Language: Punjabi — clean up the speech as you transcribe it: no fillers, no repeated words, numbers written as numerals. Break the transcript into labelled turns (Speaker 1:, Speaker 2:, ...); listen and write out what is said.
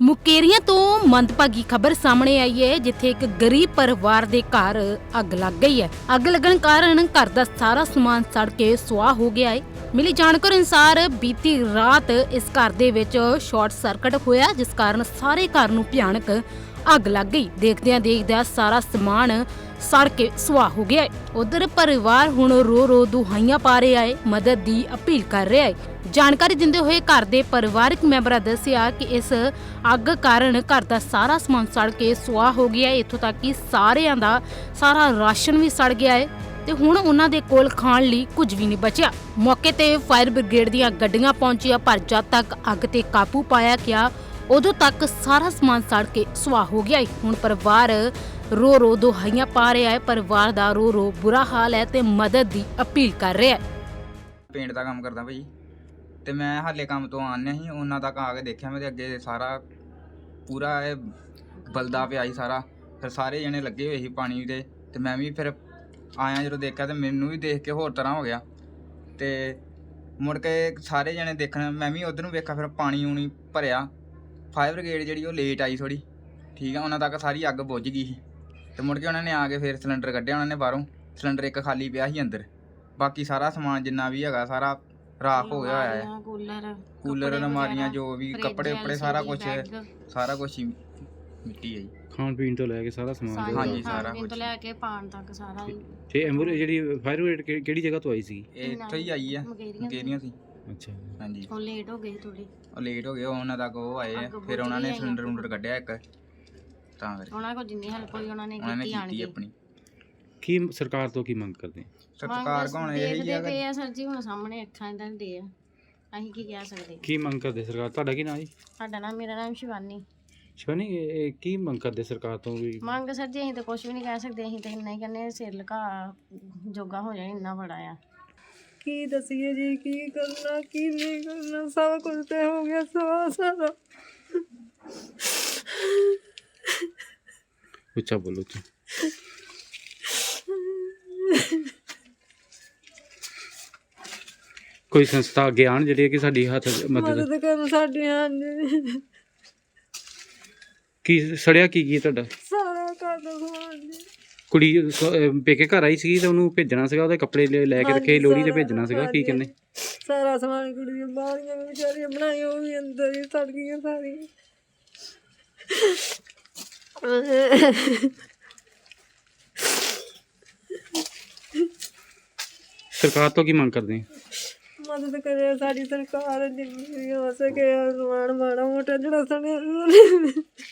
Speaker 1: ਮੁਕੇਰੀਆਂ ਤੋਂ ਮੰਦਭਾਗੀ ਖਬਰ ਸਾਹਮਣੇ ਆਈ ਹੈ, ਜਿੱਥੇ ਇੱਕ ਗਰੀਬ ਪਰਿਵਾਰ ਦੇ ਘਰ ਅੱਗ ਲੱਗ ਗਈ ਹੈ। ਅੱਗ ਲੱਗਣ ਕਾਰਨ ਘਰ ਦਾ ਸਾਰਾ ਸਮਾਨ ਸੜ ਕੇ ਸੁਆਹ ਹੋ ਗਿਆ ਹੈ। ਮਿਲੀ ਜਾਣਕਾਰੀ ਅਨੁਸਾਰ ਬੀਤੀ ਰਾਤ ਇਸ ਘਰ ਦੇ ਵਿੱਚ ਸ਼ਾਰਟ ਸਰਕਟ ਹੋਇਆ, ਜਿਸ ਕਾਰਨ ਸਾਰੇ ਘਰ ਨੂੰ ਭਿਆਨਕ ਅੱਗ ਲੱਗ ਗਈ। ਦੇਖਦਿਆਂ ਸਾਰਾ ਸਮਾਨ ਸੜ ਕੇ ਸੁਆਹ ਹੋ ਗਿਆ ਹੈ। ਉਧਰ ਪਰਿਵਾਰ ਹੁਣ ਰੋ ਦੁਹਾਈਆਂ ਪਾ ਰਿਹਾ ਹੈ, ਮਦਦ ਦੀ ਅਪੀਲ ਕਰ ਰਿਹਾ ਹੈ। ਜਾਣਕਾਰੀ ਦਿੰਦੇ ਹੋਏ ਘਰ ਦੇ ਪਰਿਵਾਰਕ ਮੈਂਬਰਾਂ ਦੱਸਿਆ ਕਿ ਇਸ ਅੱਗ ਕਾਰਨ ਘਰ ਦਾ ਸਾਰਾ ਸਮਾਨ ਸੜ ਕੇ ਸੁਆਹ ਹੋ ਗਿਆ ਹੈ। ਇੱਥੋਂ ਤੱਕ ਕਿ ਸਾਰਿਆਂ ਦਾ ਸਾਰਾ ਰਾਸ਼ਨ ਵੀ ਸੜ ਗਿਆ ਹੈ ਤੇ ਹੁਣ ਉਹਨਾਂ ਦੇ ਕੋਲ ਖਾਣ ਲਈ ਕੁਝ ਵੀ ਨਹੀਂ ਬਚਿਆ। ਮੌਕੇ ਤੇ ਫਾਇਰ ਬ੍ਰਿਗੇਡ ਦੀਆਂ ਗੱਡੀਆਂ ਪਹੁੰਚੀਆਂ, ਪਰ ਜਦ ਤੱਕ ਅੱਗ ਤੇ ਕਾਬੂ ਪਾਇਆ ਗਿਆ ਉਦੋਂ ਤੱਕ ਸਾਰਾ ਸਮਾਨ ਸੜ ਕੇ ਸੁਆਹ ਹੋ ਗਿਆ ਹੈ। ਹੁਣ ਪਰਿਵਾਰ ਰੋ ਦੁਹਾਈਆਂ ਪਾ ਰਿਹਾ ਹੈ। ਪਰਿਵਾਰ ਦਾ ਰੋ ਬੁਰਾ ਹਾਲ ਹੈ ਤੇ ਮਦਦ ਦੀ ਅਪੀਲ ਕਰ ਰਿਹਾ ਹੈ।
Speaker 2: ਪੇਂਟ ਦਾ ਕੰਮ ਕਰਦਾ ਭਾਈ, ਤੇ ਮੈਂ ਹਾਲੇ ਕੰਮ ਤੋਂ ਆਉਂਦਿਆ ਸੀ, ਉਹਨਾਂ ਤੱਕ ਆ ਕੇ ਦੇਖਿਆ ਮੇਰੇ ਅੱਗੇ ਸਾਰਾ ਪੂਰਾ ਇਹ ਬਲਦਾ ਪਿਆ ਸੀ ਸਾਰਾ। ਫਿਰ ਸਾਰੇ ਜਣੇ ਲੱਗੇ ਹੋਏ ਸੀ ਪਾਣੀ ਦੇ, ਤੇ ਮੈਂ ਵੀ ਫਿਰ ਆਇਆ ਜਦੋਂ ਦੇਖਿਆ ਤੇ ਮੈਨੂੰ ਵੀ ਦੇਖ ਕੇ ਹੋਰ ਤਰ੍ਹਾਂ ਹੋ ਗਿਆ। ਤੇ ਮੁੜ ਕੇ ਸਾਰੇ ਜਣੇ ਦੇਖਣ, ਮੈਂ ਵੀ ਉਧਰ ਨੂੰ ਵੇਖਿਆ, ਫਿਰ ਪਾਣੀ ਉਣੀ ਭਰਿਆ। ਫਾਇਰ ਬ੍ਰਿਗੇਡ ਜਿਹੜੀ ਉਹ ਲੇਟ ਆਈ ਥੋੜ੍ਹੀ, ਠੀਕ ਆ, ਉਹਨਾਂ ਤੱਕ ਸਾਰੀ ਅੱਗ ਬੁੱਝ ਗਈ ਸੀ। ਤੇ ਮੁੜ ਕੇ ਉਹਨਾਂ ਨੇ ਆ ਕੇ ਫਿਰ ਸਿਲੰਡਰ ਕੱਢਿਆ, ਉਹਨਾਂ ਨੇ ਬਾਹਰੋਂ ਸਿਲੰਡਰ ਇੱਕ ਖਾਲੀ ਪਿਆ ਸੀ ਅੰਦਰ, ਬਾਕੀ ਸਾਰਾ ਸਮਾਨ ਜਿੰਨਾ ਵੀ ਹੈਗਾ ਸਾਰਾ ਰਾਖ ਹੋ ਗਿਆ ਹੋਇਆ ਹੈ। ਕੂਲਰ ਅਲਮਾਰੀਆਂ ਜੋ ਵੀ ਕੱਪੜੇ ਸਾਰਾ ਕੁਝ ਹੀ ਮਿੱਟੀ ਹੈ ਜੀ।
Speaker 3: ਖਾਣ ਪੀਣ ਤੋਂ ਲੈ ਕੇ ਸਾਰਾ ਸਮਾਨ
Speaker 2: ਹਾਂਜੀ ਸਾਰਾ
Speaker 4: ਕੁਝ ਤੋਂ ਲੈ ਕੇ ਪਾਣ ਤੱਕ ਸਾਰਾ ਹੀ।
Speaker 3: ਤੇ ਐਂਬੂਲੈਂਸ ਜਿਹੜੀ ਫਾਇਰ ਬ੍ਰਿਗੇਡ ਕਿਹੜੀ ਜਗ੍ਹਾ ਤੋਂ ਆਈ ਸੀ?
Speaker 2: ਇਹ ਇੱਥੋਂ ਹੀ ਆਈ ਆ, ਮੁਕੇਰੀਆਂ ਸੀ।
Speaker 3: ਅੱਛਾ
Speaker 2: ਹਾਂਜੀ,
Speaker 4: ਉਹ ਲੇਟ ਹੋ ਗਏ ਥੋੜੀ,
Speaker 2: ਉਹ ਲੇਟ ਹੋ ਗਏ, ਉਹਨਾਂ ਤੱਕ ਉਹ ਆਏ ਆ, ਫਿਰ ਉਹਨਾਂ ਨੇ ਸਿਲੰਡਰ ਕੱਢਿਆ ਇੱਕ, ਤਾਂ ਕਰਕੇ
Speaker 4: ਉਹਨਾਂ ਕੋਲ ਜਿੰਨੀ ਹੈਲਪ ਹੋਈ ਉਹਨਾਂ ਨੇ
Speaker 2: ਕੀਤੀ ਆਪਣੀ।
Speaker 3: ਕੀ ਸਰਕਾਰ ਤੋਂ ਕੀ ਮੰਗ ਕਰਦੇ?
Speaker 2: ਸਰਕਾਰ ਕੋਲ ਇਹੀ ਆ
Speaker 4: ਪਏ ਆ ਸਰ ਜੀ, ਹੁਣ ਸਾਹਮਣੇ ਅੱਖਾਂ ਦੇ ਦੇ ਆ, ਅਸੀਂ ਕੀ ਕਹਿ ਸਕਦੇ।
Speaker 3: ਕੀ ਮੰਗ ਕਰਦੇ ਸਰਕਾਰ? ਤੁਹਾਡਾ ਕੀ ਨਾਮ ਜੀ?
Speaker 4: ਸਾਡਾ ਨਾਮ, ਮੇਰਾ ਨਾਮ ਸ਼ਿਵਾਨੀ।
Speaker 3: ਸ਼ਿਵਾਨੀ, ਇਹ ਕੀ ਮੰਗ ਕਰਦੇ ਸਰਕਾਰ ਤੋਂ? ਵੀ
Speaker 4: ਮੰਗ ਸਰ ਜੀ ਅਸੀਂ ਤਾਂ ਕੁਝ ਵੀ ਨਹੀਂ ਕਹਿ ਸਕਦੇ, ਅਸੀਂ ਤਾਂ ਇੰਨਾ ਹੀ ਕਹਿੰਦੇ ਸਿਰ ਲੁਕਾ ਜੋਗਾ ਹੋ ਜਾਏ, ਇੰਨਾ ਬੜਾ ਆ।
Speaker 5: ਕੀ ਦਸੀਏ ਜੀ, ਕੀ ਕਰਨਾ ਕੀ ਨਹੀਂ ਕਰਨਾ, ਸਭ ਕੁਝ ਤੇ ਹੋ ਗਿਆ ਸਾਰਾ।
Speaker 3: ਉੱਚਾ ਬੋਲੋ ਤੂੰ। ਕੋਈ ਸੰਸਥਾ ਅੱਗੇ ਆਉਣ ਜਿਹੜੀ ਕਿ ਸਾਡੀ ਹੱਥ ਮਦਦ
Speaker 5: ਕਰਨ ਸਾਡੀਆਂ ਨੇ।
Speaker 3: ਕੀ ਸੜਿਆ ਕੀ ਤੁਹਾਡਾ?
Speaker 5: ਸਾਰਾ ਘਰ ਦਾ ਸਮਾਨ ਜੀ।
Speaker 3: ਕੁੜੀ ਪੇਕੇ ਘਰ ਆਈ ਸੀ ਤੇ ਉਹਨੂੰ ਭੇਜਣਾ ਸੀਗਾ, ਉਹਦੇ ਕੱਪੜੇ ਲੈ ਕੇ ਰੱਖੇ, ਲੋਹੜੀ ਤੇ ਭੇਜਣਾ ਸੀਗਾ, ਕੀ ਕਹਿੰਦੇ?
Speaker 5: ਸਾਰਾ ਸਮਾਨ ਕੁੜੀ ਦੀਆਂ ਬਾਹਰੀਆਂ ਵੀ ਵਿਚਾਰੀਆਂ ਬਣਾਈਆਂ, ਉਹ ਵੀ ਅੰਦਰ ਹੀ ਸੜ ਗਈਆਂ ਸਾਰੀਆਂ।
Speaker 3: ਸਰਕਾਰ ਤੋਂ ਕੀ ਮੰਗ ਕਰਦੇ ਆ?
Speaker 5: ਮਦਦ ਕਰੇ ਸਾਡੀ ਸਰਕਾਰ, ਜਿੰਨੀ ਹੋ ਸਕੇ ਸਮਾਨ ਮਾੜਾ ਮੋਟਾ ਜਿਹੜਾ ਸੜਿਆ